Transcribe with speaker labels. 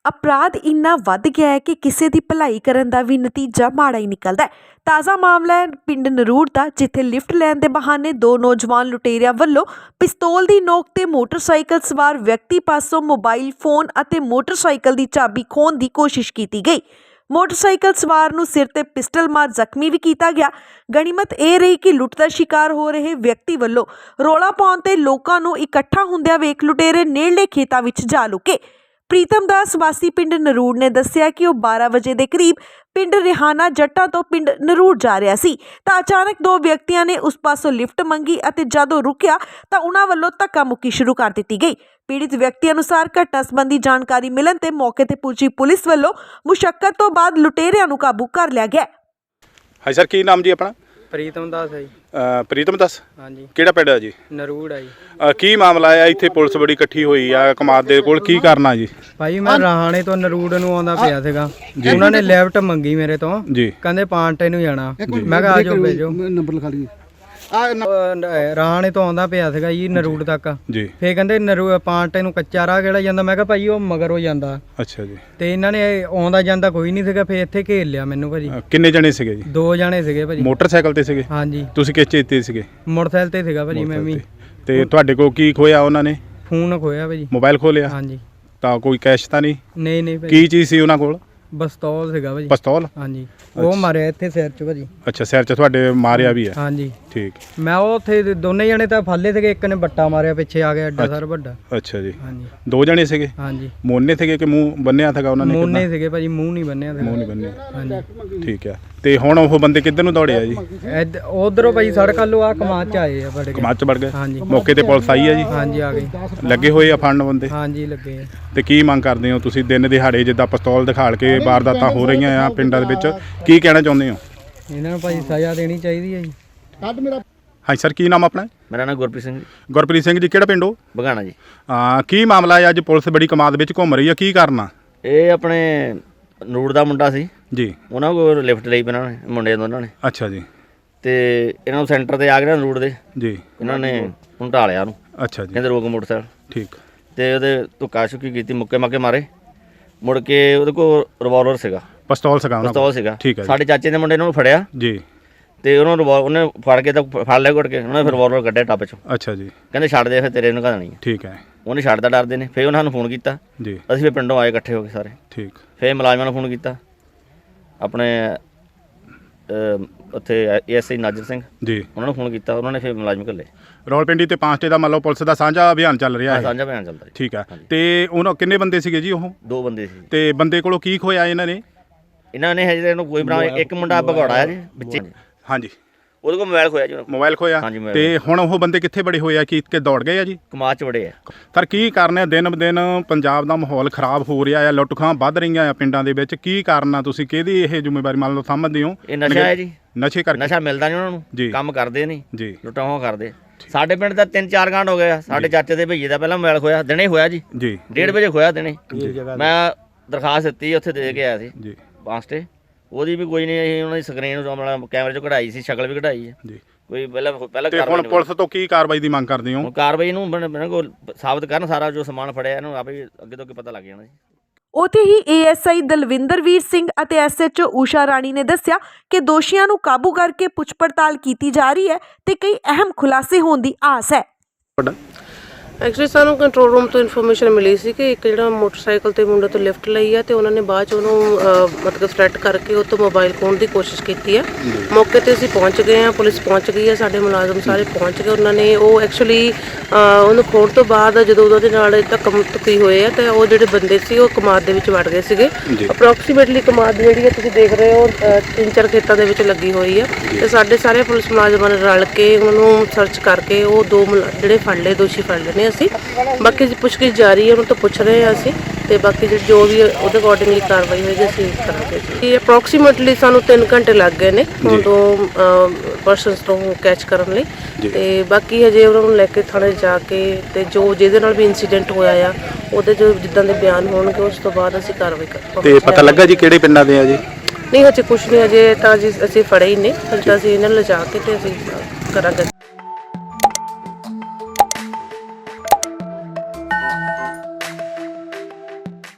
Speaker 1: अपराध इन्ना वध गया है कि किसी की भलाई करन दा भी नतीजा माड़ा ही निकलदा है। ताज़ा मामला है पिंड नरूड़ दा, जिथे लिफ्ट लैन दे बहाने दो नौजवान लुटेरियां वल्लों पिस्तौल दी नोक ते मोटरसाइकिल सवार व्यक्ति पासों मोबाइल फोन अते मोटरसाइकिल दी चाबी खोहण दी कोशिश की गई। मोटरसाइकिल सवार नूं सिर ते पिस्टल मार जख्मी भी किया गया। गनीमत यह रही कि लुट दा शिकार हो रहे व्यक्ति वल्लों रौला पाउण ते लोकां नूं इकट्ठा हुंदिआं वेख लुटेरे नेड़ले खेतां विच जा लुके। प्रीतम दास वासी पिंड नरूड़ ने दस्सिया कि वह 12 वजे के करीब पिंड रिहाना जट्टा तो पिंड नरूड़ जा रहा सी तां अचानक दो व्यक्तियों ने उस पासों लिफ्ट मंगी अते जदों रुकिया तां उन्हां वल्लों धक्का मुक्की शुरू कर दी गई। पीड़ित व्यक्ति अनुसार घटना संबंधी जानकारी मिलण ते मौके ते पुजी पुलिस वल्लों मुशक्कत तो बाद लुटेरियां नूं काबू कर लिया गया।
Speaker 2: हाँ सर, की नाम जी अपना?
Speaker 3: प्रीतम दास है जी।
Speaker 2: प्रीतम दास,
Speaker 3: हाँ जी।
Speaker 2: ਕਿਹੜਾ ਪਿੰਡ ਹੈ ਜੀ?
Speaker 3: नरूड़ है जी।
Speaker 2: ਕੀ ਮਾਮਲਾ ਆ? ਇੱਥੇ ਪੁਲਿਸ ਬੜੀ ਇਕੱਠੀ ਹੋਈ ਆ ਕਮਾਦ ਦੇ ਕੋਲ, ਕੀ ਕਰਨਾ ਜੀ?
Speaker 3: ਭਾਈ ਮੈਂ ਰਾਹਾਣੇ ਤੋਂ ਨਰੂੜ ਨੂੰ ਆਉਂਦਾ ਪਿਆ ਸੀਗਾ, ਉਹਨਾਂ ਨੇ ਲੈਫਟ ਮੰਗੀ ਮੇਰੇ ਤੋਂ
Speaker 2: ਜੀ,
Speaker 3: ਕਹਿੰਦੇ ਪਾਂਟੇ ਨੂੰ ਜਾਣਾ। ਮੈਂ ਕਿਹਾ ਆਜੋ ਭੇਜੋ,
Speaker 4: ਨੰਬਰ ਲਿਖਾ ਲਈ।
Speaker 3: ਰਾਹਾਣੇ ਤੋਂ ਆਉਂਦਾ ਪਿਆ ਸੀਗਾ ਜੀ ਨਰੂੜ ਤੱਕ।
Speaker 2: ਜੀ,
Speaker 3: ਫੇਰ ਕਹਿੰਦੇ ਪਾਂਟੇ ਨੂੰ ਕੱਚਾ ਰਾਹ ਕਿਹੜਾ ਜਾਂਦਾ? ਮੈਂ ਕਿਹਾ ਭਾਈ ਉਹ ਮਗਰੋਂ ਜਾਂਦਾ।
Speaker 2: ਅੱਛਾ ਜੀ।
Speaker 3: ਤੇ ਇਹਨਾਂ ਨੇ ਆਉਂਦਾ ਜਾਂਦਾ ਕੋਈ ਨਹੀਂ ਸੀਗਾ, ਫੇਰ ਇੱਥੇ ਘੇਰ ਲਿਆ ਮੈਨੂੰ ਭਾਜੀ।
Speaker 2: ਕਿੰਨੇ ਜਣੇ ਸੀਗੇ ਜੀ?
Speaker 3: 2 ਜਣੇ ਸੀਗੇ ਭਾਜੀ।
Speaker 2: ਮੋਟਰਸਾਈਕਲ ਤੇ ਸੀਗੇ?
Speaker 3: ਹਾਂਜੀ।
Speaker 2: ਤੁਸੀਂ ਕਿਸ ਚੀਜ਼ ਤੇ ਸੀਗੇ?
Speaker 3: ਮੋਟਰਸਾਈਕਲ ਤੇ ਸੀਗਾ ਭਾਜੀ ਮੈਂ ਵੀ।
Speaker 2: ਤੇ ਤੁਹਾਡੇ ਕੋਲ ਕੀ ਖੋਇਆ ਉਹਨਾਂ ਨੇ?
Speaker 3: ਫੋਨ ਖੋਇਆ ਭਾਜੀ।
Speaker 2: ਮੋਬਾਈਲ ਖੋ ਲਿਆ?
Speaker 3: ਹਾਂਜੀ।
Speaker 2: ਤਾਂ ਕੋਈ ਕੈਸ਼ ਤਾਂ ਨਹੀਂ?
Speaker 3: ਨਹੀਂ ਭਾਜੀ।
Speaker 2: ਕੀ ਚੀਜ਼ ਸੀ ਉਹਨਾਂ ਕੋਲ?
Speaker 3: ਪਿਸਤੌਲ ਸੀਗਾ ਭਾਜੀ।
Speaker 2: ਪਿਸਤੌਲ?
Speaker 3: ਹਾਂਜੀ। ਉਹ ਮਾਰਿਆ ਇੱਥੇ ਸਿਰ 'ਚ ਭਾਜੀ।
Speaker 2: ਅੱਛਾ, ਸਿਰ 'ਚ ਤੁਹਾਡੇ ਮਾਰਿਆ ਵੀ ਹੈ?
Speaker 3: ਹਾਂਜੀ।
Speaker 2: ਠੀਕ।
Speaker 3: ਮੈਂ ਉਹ ਉੱਥੇ ਦੋਨੇ ਜਣੇ ਤਾਂ ਫਾਲੇ ਸੀਗੇ, ਇੱਕ ਨੇ ਬੱਟਾ ਮਾਰਿਆ ਪਿੱਛੇ ਆ ਗਿਆ ਐਡਾ ਸਾਰਾ ਵੱਡਾ।
Speaker 2: ਅੱਛਾ ਜੀ।
Speaker 3: ਹਾਂਜੀ।
Speaker 2: 2 ਜਣੇ ਸੀਗੇ?
Speaker 3: ਹਾਂਜੀ।
Speaker 2: ਮੋਨੇ ਸੀਗੇ ਕਿ ਮੂੰਹ ਬੰਨਿਆ ਸੀਗਾ ਉਹਨਾਂ ਨੇ?
Speaker 3: ਮੋਨੇ ਸੀਗੇ ਭਾਜੀ, ਮੂੰਹ ਨਹੀਂ ਬੰਨਿਆ ਸੀਗਾ।
Speaker 2: ਮੂੰਹ ਨਹੀਂ ਬੰਨਿਆ।
Speaker 3: ਹਾਂਜੀ।
Speaker 2: ਠੀਕ ਹੈ। ਤੇ ਹੁਣ ਉਹ ਬੰਦੇ ਕਿੱਧਰ ਨੂੰ ਦੌੜੇ ਆ ਜੀ?
Speaker 3: ਉਧਰੋਂ ਭਾਜੀ ਸੜਕ ਵੱਲੋਂ ਆ ਕਮਾਦ 'ਚ ਆਏ ਆ ਵੜ ਕੇ।
Speaker 2: ਕਮਾਦ 'ਚ ਵੜ ਗਏ?
Speaker 3: ਹਾਂਜੀ।
Speaker 2: ਮੌਕੇ ਤੇ ਪੁਲਿਸ ਆਈ ਹੈ ਜੀ?
Speaker 3: ਹਾਂਜੀ ਆ ਗਈ।
Speaker 2: ਲੱਗੇ ਹੋਏ ਆ ਫੜਨ ਬੰਦੇ?
Speaker 3: ਹਾਂਜੀ ਲੱਗੇ ਆ।
Speaker 2: ਤੇ ਕੀ ਮੰਗ ਕਰਦੇ ਹੋ ਤੁਸੀਂ? ਦਿਨ ਦਿਹਾੜੇ ਜਿੱਦਾਂ ਪਿਸਤੌਲ ਦਿਖਾਲ ਕੇ ਵਾਰਦਾਤਾਂ ਹੋ ਰਹੀਆਂ ਆ ਪਿੰਡਾਂ ਦੇ ਵਿੱਚ, ਕੀ ਕਹਿਣਾ ਚਾਹੁੰਦੇ ਹੋ?
Speaker 3: ਇਹਨਾਂ ਨੂੰ ਭਾਜੀ ਸਜ਼ਾ ਦੇਣੀ ਚਾਹੀਦੀ ਹੈ ਜੀ।
Speaker 2: ਹਾਂਜੀ ਸਰ, ਕੀ ਨਾਮ ਆਪਣਾ?
Speaker 5: ਮੇਰਾ ਨਾਮ ਗੁਰਪ੍ਰੀਤ ਸਿੰਘ ਜੀ।
Speaker 2: ਗੁਰਪ੍ਰੀਤ ਸਿੰਘ ਜੀ, ਕਿਹੜਾ ਪਿੰਡ ਹੋ?
Speaker 5: ਬਗਾਣਾ ਜੀ।
Speaker 2: ਕੀ ਮਾਮਲਾ ਹੈ? ਅੱਜ ਪੁਲਿਸ ਬੜੀ ਕਮਾਦ ਵਿੱਚ ਘੁੰਮ ਰਹੀ ਆ, ਕੀ ਕਰਨਾ?
Speaker 5: ਇਹ ਆਪਣੇ ਨੂੜ ਦਾ ਮੁੰਡਾ ਸੀ
Speaker 2: ਜੀ।
Speaker 5: ਉਹਨਾਂ ਕੋਲ ਲਿਫਟ ਲਈ ਇਹਨਾਂ ਨੇ, ਮੁੰਡੇ ਦੋਨਾਂ ਨੇ।
Speaker 2: ਅੱਛਾ ਜੀ।
Speaker 5: ਤੇ ਇਹਨਾਂ ਨੂੰ ਸੈਂਟਰ ਤੇ ਆ ਗਏ ਨੂੜ ਦੇ
Speaker 2: ਜੀ।
Speaker 5: ਇਹਨਾਂ ਨੇ ਉਹਨੂੰ ਢਾਲਿਆ ਉਹਨੂੰ।
Speaker 2: ਅੱਛਾ ਜੀ।
Speaker 5: ਕਹਿੰਦੇ ਰੋਕ ਮੋਟਰਸਾਈਕਲ।
Speaker 2: ਠੀਕ।
Speaker 5: ਤੇ ਉਹਦੇ ਧੁੱਕਾ ਛੁੱਕੀ ਕੀਤੀ, ਮੁੱਕੇ ਮਾਕੇ ਮਾਰੇ। ਮੁੜ ਕੇ ਉਹਦੇ ਕੋਲ ਰਿਵਾਲਵਰ ਸੀਗਾ,
Speaker 2: ਪਿਸਤੌਲ ਸੀਗਾ ਉਹਨਾਂ ਕੋਲ?
Speaker 5: ਪਿਸਤੌਲ ਸੀਗਾ।
Speaker 2: ਠੀਕ ਹੈ।
Speaker 5: ਸਾਡੇ ਚਾਚੇ ਦੇ ਮੁੰਡੇ ਨੇ ਉਹਨੂੰ ਫੜਿਆ
Speaker 2: ਜੀ।
Speaker 5: ਤੇ ਉਹਨੂੰ ਉਹਨੇ ਫੜ ਕੇ ਤਾਂ ਫੜ ਲਿਆ ਘੁੱਟ ਕੇ, ਉਹਨੇ ਫਿਰ ਰਿਵਾਲਵਰ ਕੱਢਿਆ ਟੱਪ ਚੋਂ। ਅੱਛਾ
Speaker 2: ਜੀ।
Speaker 5: ਕਹਿੰਦੇ ਛੱਡ ਦੇ, ਫਿਰ ਤੇਰੇ ਨੂੰ ਘਾਣੀ ਹੈ।
Speaker 2: ਠੀਕ ਹੈ।
Speaker 5: ਉਹਨੇ ਛੱਡਦਾ ਡਰਦੇ ਨੇ। ਫਿਰ ਉਹਨਾਂ ਨੂੰ ਫੋਨ ਕੀਤਾ
Speaker 2: ਜੀ।
Speaker 5: ਅਸੀਂ ਫਿਰ ਪਿੰਡੋਂ ਆਏ ਇਕੱਠੇ ਹੋ ਕੇ ਸਾਰੇ।
Speaker 2: ਠੀਕ।
Speaker 5: ਫਿਰ ਮੁਲਾਜ਼ਮਾਂ ਨੂੰ ਫੋਨ ਕੀਤਾ, ਆਪਣੇ ਉੱਥੇ ASI ਨਾਜ਼ਰ ਸਿੰਘ
Speaker 2: ਜੀ,
Speaker 5: ਉਹਨਾਂ ਨੂੰ ਫੋਨ ਕੀਤਾ। ਉਹਨਾਂ ਨੇ ਫਿਰ ਮੁਲਾਜ਼ਮ ਘੱਲੇ।
Speaker 2: ਰੌਲਪਿੰਡੀ ਤੇ ਪਾਂਚਟੇ ਦਾ ਮੰਨ ਲਓ ਪੁਲਿਸ ਦਾ ਸਾਂਝਾ ਅਭਿਆਨ ਚੱਲ ਰਿਹਾ ਹੈ?
Speaker 5: ਸਾਂਝਾ ਬਿਆਨ ਚੱਲਦਾ ਜੀ।
Speaker 2: ਠੀਕ ਹੈ। ਤੇ ਉਹਨਾਂ ਕਿੰਨੇ ਬੰਦੇ ਸੀਗੇ ਜੀ ਉਹ?
Speaker 5: 2 ਬੰਦੇ ਸੀ।
Speaker 2: ਤੇ ਬੰਦੇ ਕੋਲੋਂ ਕੀ ਖੋਇਆ ਇਹਨਾਂ ਨੇ?
Speaker 5: ਇਹਨਾਂ ਨੇ ਹਜੇ ਇਹਨੂੰ ਕੋਈ ਬਣਾ, ਇੱਕ ਮੁੰਡਾ ਭਗੌੜਾ ਹੈ ਜੀ ਵਿੱਚੇ।
Speaker 2: ਹਾਂਜੀ।
Speaker 5: ਉਹਦੇ ਕੋਲ ਮੋਬਾਈਲ ਖੋਇਆ ਜੀ।
Speaker 2: ਮੋਬਾਈਲ ਖੋਇਆ?
Speaker 5: ਹਾਂਜੀ, ਮੋਬਾਈਲ।
Speaker 2: ਤੇ ਹੁਣ ਉਹ ਬੰਦੇ ਕਿੱਥੇ ਬੜੇ ਹੋਏ ਆ? ਕਿ ਦੌੜ ਗਏ ਆ ਜੀ?
Speaker 5: ਕਮਾਦ 'ਚ ਵੜੇ ਆ।
Speaker 2: ਸਰ, ਕੀ ਕਾਰਨ ਹੈ? ਦਿਨ ਬ ਦਿਨ ਪੰਜਾਬ ਦਾ ਮਾਹੌਲ ਖਰਾਬ ਹੋ ਰਿਹਾ ਆ, ਲੁੱਟ ਖੋਹਾਂ ਵੱਧ ਰਹੀਆਂ ਆ ਪਿੰਡਾਂ ਦੇ ਵਿੱਚ, ਕੀ ਕਾਰਨ ਆ? ਤੁਸੀਂ ਕਿਹਦੀ ਇਹ ਜ਼ਿੰਮੇਵਾਰੀ ਮੰਨ ਲਓ ਸਮਝਦੇ ਹੋ?
Speaker 5: ਇਹ ਨਸ਼ਾ ਹੈ ਜੀ।
Speaker 2: ਨਸ਼ੇ ਕਰਕੇ?
Speaker 5: ਨਸ਼ਾ ਮਿਲਦਾ ਨਹੀਂ ਉਹਨਾਂ
Speaker 2: ਜੀ।
Speaker 5: ਨੂੰ, ਕੰਮ ਕਰਦੇ ਨਹੀਂ
Speaker 2: ਜੀ,
Speaker 5: ਲੁੱਟਾਂ ਖੋਹਾਂ ਕਰਦੇ। ਸਾਡੇ ਪਿੰਡ ਦਾ 3-4 ਕਾਂਡ ਹੋ ਗਏ ਆ। ਸਾਡੇ ਚਾਚੇ ਦੇ ਭਈਏ ਦਾ ਪਹਿਲਾਂ ਮੋਬਾਈਲ ਖੋਇਆ, ਦਿਨੇ ਹੋਇਆ ਜੀ।
Speaker 2: ਜੀ।
Speaker 5: 1:30 ਵਜੇ ਖੋਇਆ ਦਿਨੇ। ਮੈਂ ਦਰਖਾਸਤ ਦਿੱਤੀ, ਉੱਥੇ ਦੇ ਕੇ ਆਇਆ ਸੀ
Speaker 2: ਜੀ।
Speaker 5: ਪਾਂਚਟੇ। ਉਹਦੀ ਵੀ ਕੋਈ ਨਹੀਂ, ਅਸੀਂ ਉਹਨਾਂ ਦੀ ਸਕਰੀਨ ਕੈਮਰੇ 'ਚੋਂ ਕਢਾਈ ਸੀ, ਸ਼ਕਲ ਵੀ ਕਢਾਈ ਹੈ
Speaker 2: ਜੀ।
Speaker 5: ਕੋਈ ਪਹਿਲਾਂ
Speaker 2: ਤੇ ਹੁਣ ਪੁਲਿਸ ਤੋਂ ਕੀ ਕਾਰਵਾਈ ਦੀ ਮੰਗ ਕਰਦੇ ਹੋ?
Speaker 5: ਕਾਰਵਾਈ ਨੂੰ ਮੈਨੂੰ ਕੋਲ ਸਾਬਤ ਕਰਨ, ਸਾਰਾ ਜੋ ਸਮਾਨ ਫੜਿਆ ਇਹਨੂੰ ਆਪੇ ਅੱਗੇ ਤੋਂ ਅੱਗੇ ਪਤਾ ਲੱਗ ਜਾਣਾ ਜੀ।
Speaker 1: ਉੱਥੇ ਹੀ ASI ਦਲਵਿੰਦਰਵੀਰ ਸਿੰਘ ਅਤੇ SHO ਊਸ਼ਾ ਰਾਣੀ ਨੇ ਦੱਸਿਆ ਕਿ ਦੋਸ਼ੀਆਂ ਨੂੰ ਕਾਬੂ ਕਰਕੇ ਪੁੱਛ ਪੜਤਾਲ ਕੀਤੀ ਜਾ ਰਹੀ ਹੈ ਤੇ ਕਈ ਅਹਿਮ ਖੁਲਾਸੇ ਹੋਣ ਦੀ ਆਸ ਹੈ।
Speaker 6: ਐਕਚੁਅਲੀ ਸਾਨੂੰ ਕੰਟਰੋਲ ਰੂਮ ਤੋਂ ਇਨਫੋਰਮੇਸ਼ਨ ਮਿਲੀ ਸੀ ਕਿ ਇੱਕ ਜਿਹੜਾ ਮੋਟਰਸਾਈਕਲ ਤੇ ਮੁੰਡੇ ਤੋਂ ਲਿਫਟ ਲਈ ਹੈ ਤੇ ਉਹਨਾਂ ਨੇ ਬਾਅਦ 'ਚ ਉਹਨੂੰ ਮਤਲਬ ਥ੍ਰੈਟ ਕਰਕੇ ਉਹ ਤੋਂ ਮੋਬਾਈਲ ਖੋਹਣ ਦੀ ਕੋਸ਼ਿਸ਼ ਕੀਤੀ ਹੈ। ਮੌਕੇ ਤੇ ਅਸੀਂ ਪਹੁੰਚ ਗਏ ਹਾਂ, ਪੁਲਿਸ ਪਹੁੰਚ ਗਈ ਹੈ, ਸਾਡੇ ਮੁਲਾਜ਼ਮ ਸਾਰੇ ਪਹੁੰਚ ਗਏ। ਉਹਨਾਂ ਨੇ ਉਹ ਐਕਚੁਅਲੀ ਉਹਨੂੰ ਖੋਹਣ ਤੋਂ ਬਾਅਦ ਜਦੋਂ ਉਹਦੇ ਨਾਲ ਧੱਕਾ-ਧੁੱਕੀ ਹੋਏ ਆ ਤੇ ਉਹ ਜਿਹੜੇ ਬੰਦੇ ਸੀ ਉਹ ਕਮਾਦ ਦੇ ਵਿੱਚ ਵੜ ਗਏ ਸੀਗੇ। ਅਪਰੋਕਸੀਮੇਟਲੀ ਕਮਾਦ ਜਿਹੜੀ ਹੈ ਤੁਸੀਂ ਦੇਖ ਰਹੇ ਹੋ 3-4 ਖੇਤਾਂ ਦੇ ਵਿੱਚ ਲੱਗੀ ਹੋਈ ਹੈ ਤੇ ਸਾਡੇ ਸਾਰੇ ਪੁਲਿਸ ਮੁਲਾਜ਼ਮਾਂ ਨੇ ਰਲ ਕੇ ਉਹਨਾਂ ਨੂੰ ਸਰਚ ਕਰਕੇ ਉਹ 2 ਜਿਹੜੇ ਫੜ ਲਏ, ਦੋਸ਼ੀ ਫੜ ਲਏ ਨੇ ਅਸੀਂ। ਬਾਕੀ ਪੁੱਛਗਿੱਛ ਜਾਰੀ ਹੈ, ਉਹਨਾਂ ਤੋਂ ਪੁੱਛ ਰਹੇ ਹਾਂ ਅਸੀਂ ਤੇ ਬਾਕੀ ਜੋ ਵੀ ਉਹਦੇ ਅਕੋਰਡਿੰਗਲੀ ਕਾਰਵਾਈ ਹੋਏਗੀ ਅਸੀਂ ਕਰਾਂਗੇ ਜੀ। ਅਪਰੋਕਸੀਮੇਟਲੀ ਸਾਨੂੰ 3 ਘੰਟੇ ਲੱਗ ਗਏ ਨੇ ਉਦੋਂ ਪਰਸਨਸ ਤੋਂ ਕੈਚ ਕਰਨ ਲਈ ਤੇ ਬਾਕੀ ਹਜੇ ਉਹਨਾਂ ਨੂੰ ਲੈ ਕੇ ਥਾਣੇ ਜਾ ਕੇ ਤੇ ਜੋ ਜਿਹਦੇ ਨਾਲ ਵੀ ਇੰਸੀਡੈਂਟ ਹੋਇਆ ਆ ਉਹਦੇ ਜੋ ਜਿੱਦਾਂ ਦੇ ਬਿਆਨ ਹੋਣਗੇ ਉਸ ਤੋਂ ਬਾਅਦ ਅਸੀਂ ਕਾਰਵਾਈ ਕਰਾਂਗੇ।
Speaker 2: ਤੇ ਪਤਾ ਲੱਗਾ ਜੀ ਕਿਹੜੇ ਪਿੰਡਾਂ ਦੇ ਆ ਜੀ?
Speaker 6: ਨਹੀਂ ਹਜੇ ਕੁਛ ਨਹੀਂ, ਹਜੇ ਤਾਂ ਜੀ ਅਸੀਂ ਫੜੇ ਹੀ ਨੇ, ਹਜੇ ਤਾਂ ਅਸੀਂ ਇਹਨਾਂ ਨੂੰ ਲਿਜਾ ਕੇ ਤੇ ਅਸੀਂ ਕਰਾਂਗੇ।